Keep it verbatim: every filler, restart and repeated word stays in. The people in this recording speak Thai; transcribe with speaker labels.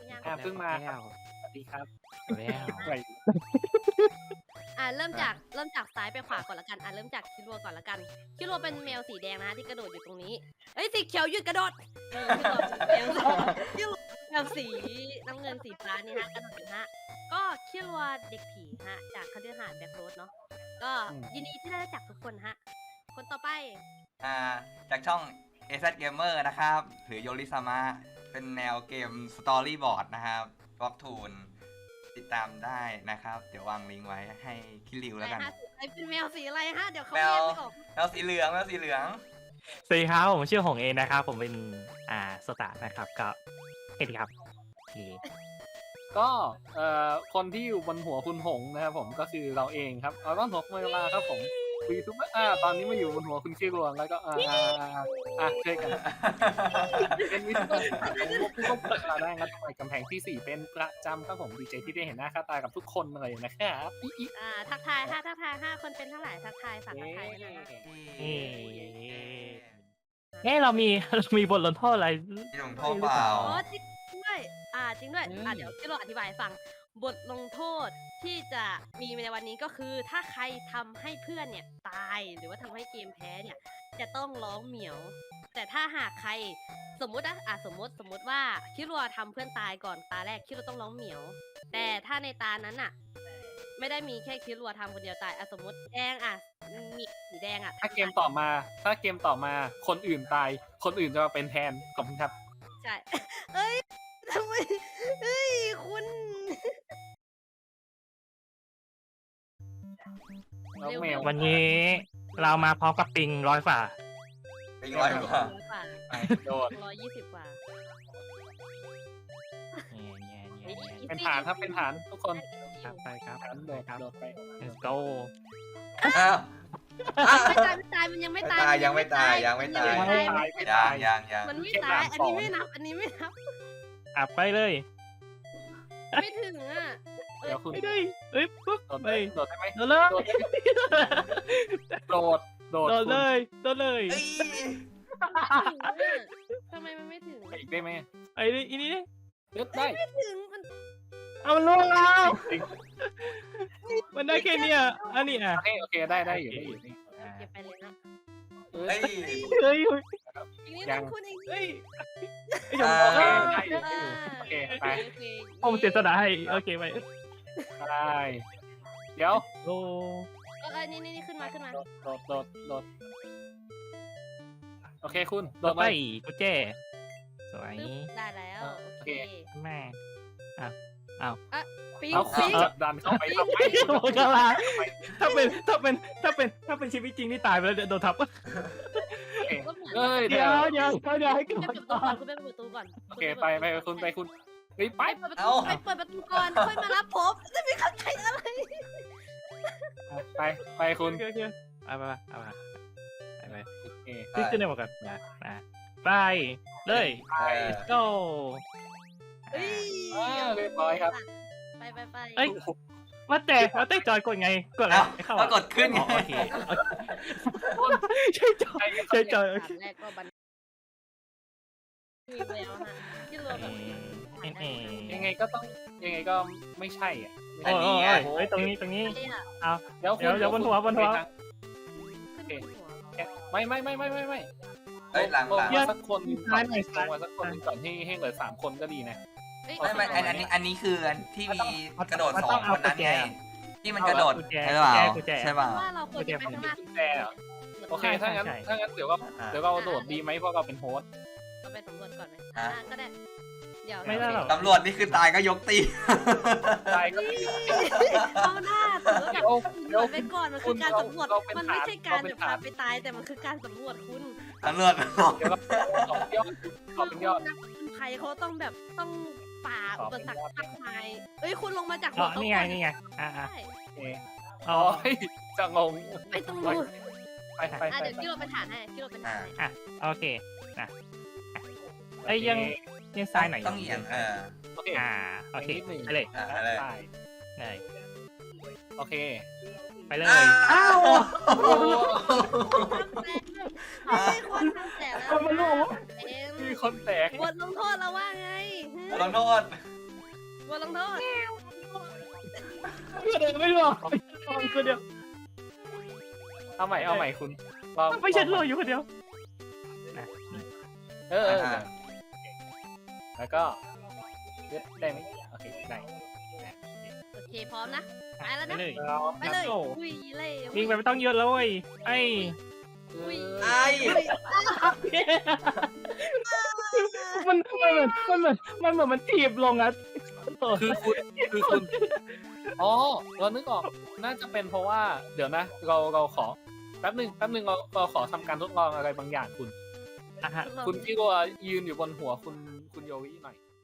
Speaker 1: ยัง
Speaker 2: อ่าเพิ่งมาครับ
Speaker 3: สวัสดีครับ
Speaker 2: แล้ว
Speaker 1: อ่าเริ่มจากเริ่มจากซ้ายไปขวาก่อนละกันอ่าเริ่มจากคิรัวก่อนละกันคิรัวเป็นแมวสีแดงนะที่กระโดดอยู่ตรงนี้เอ้ยสีเขียวหยุดกระโดดเออคิรัวแมวแมวสีน้ำเงินสีฟ้านี่ฮะกระโดดอยู่ฮะก็คิรัวเด็กผีฮะจากคฤหาสน์แบ็คโรสเนาะก็ยินดีที่ได้รู้จักทุกคนฮะคนต่อไป
Speaker 4: อ่าจากช่อง เอ แซด Gamer นะครับหรือโยริซามะเป็นแนวเกมสตอรี่บอร์ดนะครับบล็อกทูนติดตามได้นะครับ เดี๋ยววางลิงก์ไว้ให้คิริวแล้วกัน
Speaker 1: ไอเป็นแมวสีอะไรฮะเดี๋ยวเขา
Speaker 4: แม
Speaker 1: แยว กไม่ออก
Speaker 4: แมวสีเหลืองแมวสีเหลือง
Speaker 3: สวัสดีครับผมชื่อหงเองนะครับผมเป็นอ่าสตาร์นะครับก็เอ็ดครับโอเค
Speaker 2: ก็เอ่อคนที่อยู่บนหัวคุณหงนะครับผมก็คือเราเองครับเราต้องหัวเวลาครับผมวีซุปอ่าตอนนี้มาอยู่บนหัวคุณขี้รวงแล้วก็อ่าอ่าอ่าช่วยกันเป็นวิซุปของผู้ควบคุมราคาได้งัดไปกำแพงที่สี่เป็นประจำครับผมดีใจที่ได้เห็นหน้าค่าตากับทุกคนเลยนะครับอีอี
Speaker 1: อ่าทักทายห้าทักทายห้าคนเป็นเท่าไหร่ทักทายฝากทักทายด้วยนะ
Speaker 3: เอ๊ะเรามีเรามีบทลงโทษอะไร
Speaker 4: มีลงโทษเปล่า
Speaker 1: อ๋อจริงด้วยอ่าจริงด้วยอ่าเดี๋ยวที่เราอธิบายให้ฟังบทลงโทษที่จะมีในวันนี้ก็คือถ้าใครทำให้เพื่อนเนี่ยตายหรือว่าทำให้เกมแพ้เนี่ยจะต้องร้องเหมียว แต่ถ้าหากใครสมมุตินะอ่ะสมมติสมมติว่าคิรัวทำเพื่อนตายก่อนตาแรกคิรัวต้องร้องเหมียว แต่ถ้าในตานั้นอ่ะ ไม่ได้มีแค่คิรัวทำคนเดียวตายอ่ะสมมติแดงอ่ะมีสีแดงอ่ะ
Speaker 2: ถ้าเกมต่อมาถ้าเกมต่อมาคนอื่นตายคนอื่นจะมาเป็นแทนขอบคุณครับ
Speaker 1: ใช่ เอ้ยทำไมเฮ้ยคุณ
Speaker 2: น้องแมว
Speaker 3: วันนี้เรามาพร้อมกับปิงร้อยฝ่า
Speaker 4: เป็นร้อยกว่า
Speaker 2: ไปโดด
Speaker 1: ร้อยยี่สิบกว่า
Speaker 2: เป็นฐานครับเป็นฐานทุกคน
Speaker 3: ครับไปครับ
Speaker 2: ฐานโดด
Speaker 3: ครับ
Speaker 2: โดดไป
Speaker 3: let's go
Speaker 4: อ้าว
Speaker 1: ไม่ตายไม่ตายมันยังไม่ตาย
Speaker 4: ยังไม่ตายยังไม่ตาย
Speaker 1: มันยังไม่
Speaker 4: ยั
Speaker 1: ตาย
Speaker 4: งยังยัง
Speaker 1: มันไม่ตายอันนี้ไม่นับอันนี้ไม่นับ
Speaker 3: อ่ะไปเลย
Speaker 1: ไม่ถึงอ่ะ
Speaker 2: เดี๋ยวคุณ
Speaker 3: ไม่ได้เอ้ยปุ๊บ
Speaker 2: โดด
Speaker 3: ไป
Speaker 2: ได้โดดได้ไหม
Speaker 3: โดนเลย
Speaker 2: โดดโดด
Speaker 3: โดนเลยโดนเลย
Speaker 4: เอ้ย
Speaker 1: ทำไมมันไม่ถึง
Speaker 2: อีกได้ไหม
Speaker 3: ไอ้นี่อีนี่
Speaker 2: เลือกได้
Speaker 1: ไม่ถึงมัน
Speaker 3: เอามันล่วงแล้ว
Speaker 2: จริง
Speaker 3: มันได้แค่เนี้ยอันนี้อ่ะ
Speaker 2: โอเคโอเคได้ได้อยู่ได้อยู่นี่
Speaker 1: เก็บไปเลยนะ
Speaker 2: เอ้
Speaker 4: เฮ้
Speaker 2: ย
Speaker 4: ย
Speaker 3: เฮ้ย
Speaker 1: อีกนิดนึงคุณอีก
Speaker 3: เฮ้ย
Speaker 4: อ่า
Speaker 2: โอเคได้อยู่ได้อยู่โอเคไป
Speaker 3: ผมเสียสละให้โอเคไป
Speaker 2: ได้เดี๋ยว
Speaker 3: โอ้
Speaker 1: เออนี่นี่ขึ้นมาขึ้นมา
Speaker 2: โดดโดดโดดโดดโอเคคุณโด
Speaker 3: ต่อ
Speaker 2: ด
Speaker 3: ไป
Speaker 2: ไป
Speaker 3: กุญแจสวย
Speaker 1: ได้แล้วโอเค
Speaker 3: แม่
Speaker 1: ปิ๊ง
Speaker 2: เอา
Speaker 1: ปิ๊ง
Speaker 2: จับดันเข้าไปทำไม
Speaker 3: โอ้กลาถ้าเป็นถ้าเป็นถ้าเป็นถ้าเป็นชีวิตจริงนี่ตายไปแล้วโดนทับ
Speaker 2: เอ้ย
Speaker 3: เดี๋
Speaker 2: เดี๋
Speaker 3: ย
Speaker 2: ยว ว
Speaker 3: เดี๋ยวเดี๋ยวให้
Speaker 1: คุณ
Speaker 3: ก่
Speaker 1: ไป
Speaker 3: อน
Speaker 1: เปิดประตูก่อนคุณไปเปิดประตูก่อน
Speaker 2: โอเคไปไปคุณไปคุณเฮ้ยไป
Speaker 1: ไปเปิดประตูไปเปิดประตูก่อนค่อยมารับผมจะไม่เข้าใจอะไร
Speaker 2: ไปไปคุณ
Speaker 3: โอเคโอเคเอาไปเอาไปไปไป
Speaker 2: โอเค
Speaker 3: ขึ้นขึ้นได้หมดกันนะนะไปเลย
Speaker 4: เออ
Speaker 3: go
Speaker 1: เฮ้ย
Speaker 2: อ่าเรียบร้อยครับ
Speaker 1: ไปไปไป
Speaker 3: เอ้ยว่าแต่ว่าแต่จอยกดไงกดอะไร
Speaker 4: เอ้า
Speaker 3: เข้า
Speaker 4: ก็กดขึ้นไง
Speaker 3: โอเคใช่จอยใช่จอยโอเค
Speaker 1: แรกก็บันมีแล้วฮะที่รวมแบบ
Speaker 2: ยังไงก็ต้องยังไงก็ไม่ใช่อ่ะ
Speaker 3: โอ้ยโอ้ยเฮ้ยตรงนี้ตรงนี้
Speaker 1: นี่ค่ะ
Speaker 3: เอา
Speaker 2: เดี๋ยว
Speaker 3: เดี๋ยวเดี๋ยวบนหัวบนหัว
Speaker 1: ขึ้นหัว
Speaker 2: ไม่ไม่ไม่ไม่ไม่ไม่
Speaker 4: เฮ้ยหลังหลัง
Speaker 2: ลมาสักคนหนึ่งก่อนลงมาสักคนหนึ่งก่อนให้ให้เหลือสามคนก็ดีนะ
Speaker 4: ไม่ไม่อันอันนี้อันนี้คืออันที่มีกระโดดสองคนนั้นไงที่มันกระโดด
Speaker 3: กุญแจ
Speaker 4: ใช่เปล่า
Speaker 3: กุญแจ
Speaker 4: ใช่เปล่า
Speaker 1: ว่าเราควรจะไปข้างหน้า
Speaker 2: กุญแจเหรอโอเคถ้างั้นถ้างั้นเดี๋ยวก็เดี๋ยวเราโดดดีไหมเพราะเราเป็นโฮสต์
Speaker 1: เราไปสำรวจก่อนไหมอ่าก็ได้เดี๋ยว
Speaker 3: ไม่ได้หรอก
Speaker 4: ตำรวจนี่คือตายก็ยกตี
Speaker 2: ตายก็
Speaker 1: เอาหน้าสำรวจแบบ
Speaker 2: เดี๋ยว
Speaker 1: ไปก่อนมันคือการสำรวจ
Speaker 2: เราเป็น
Speaker 1: มันไม่ใช่การ
Speaker 2: เราเป็น
Speaker 1: จะพาไปตายแต่มันคือการสำรวจคุณ
Speaker 4: ตำรวจ
Speaker 2: เดี๋ยวเราขอเป็นยอดขอเป็นยอด
Speaker 1: นักผจญภัยเขาต้องแบบต้องฝ่าอุปสรรคมากมายเอ้ยคุณลงมาจาก
Speaker 3: อ๋
Speaker 1: หั
Speaker 3: อ
Speaker 1: วเขา
Speaker 3: นี่ไง
Speaker 1: ก่อน
Speaker 3: นี่ไงอ่าอ่า
Speaker 1: ใช่
Speaker 2: เอ
Speaker 3: อ๋อ
Speaker 2: อ๋อจะงง
Speaker 1: ไปตรงนู้น
Speaker 2: ไปไป
Speaker 1: อ่ะ
Speaker 2: ไป
Speaker 1: เดี๋ยวที่เราไปฐานให้ที่เราไปฐานให้
Speaker 3: อ่ะโอเคนะไอ้ยังยังซ้ายไหน
Speaker 4: ต้องเอียงเออ
Speaker 2: โอเค
Speaker 3: อ่าโอเค
Speaker 2: นิดหนึ่ง
Speaker 3: ไปเลย
Speaker 4: อ่ะอะไร
Speaker 2: ได้
Speaker 3: เลย
Speaker 2: โอเค
Speaker 3: ไปเลย
Speaker 4: อ้าว
Speaker 1: ไม่ใช่คนทำแต่แล้วเอง
Speaker 2: มีคนแตก
Speaker 1: บทลงโทษเราว่าไง
Speaker 4: ลงโทษ
Speaker 1: บทลงโทษ
Speaker 3: เดินไม่รอดคนเดียว
Speaker 2: เอาใหม่เอาใหม่คุณลอง
Speaker 3: ไม่ฉันรออยู่คนเดียวนะ
Speaker 2: เออเออ
Speaker 4: อ่า
Speaker 2: แล้วก็ได้ไหมโอเคได้
Speaker 1: โอเคพร้อมนะไปแล้ว
Speaker 3: ไป
Speaker 1: นะ
Speaker 3: เลย
Speaker 1: ไปเลย
Speaker 3: โอ้
Speaker 1: อุ้ยเล่
Speaker 3: วิ่งไปไม่ต้องเยอะแล้วเว้ยไอ้
Speaker 1: อุ้ย
Speaker 4: ไอ้
Speaker 3: มันมันเหมือนมันเหมือนมันเหมือนมันถีบลงอ่ะ
Speaker 2: คือคุณคือคุณอ๋อเรานึกออกน่าจะเป็นเพราะว่าเดี๋ยวนะ เราเราขอแป๊บหนึ่งแป๊บหนึ่งเราเราขอทำการทดลองอะไรบางอย่างคุณ
Speaker 3: อ่ะฮะ
Speaker 2: คุณพี่ก็ยืนอยู่บนหัวคุณคุณโยวิหน่อย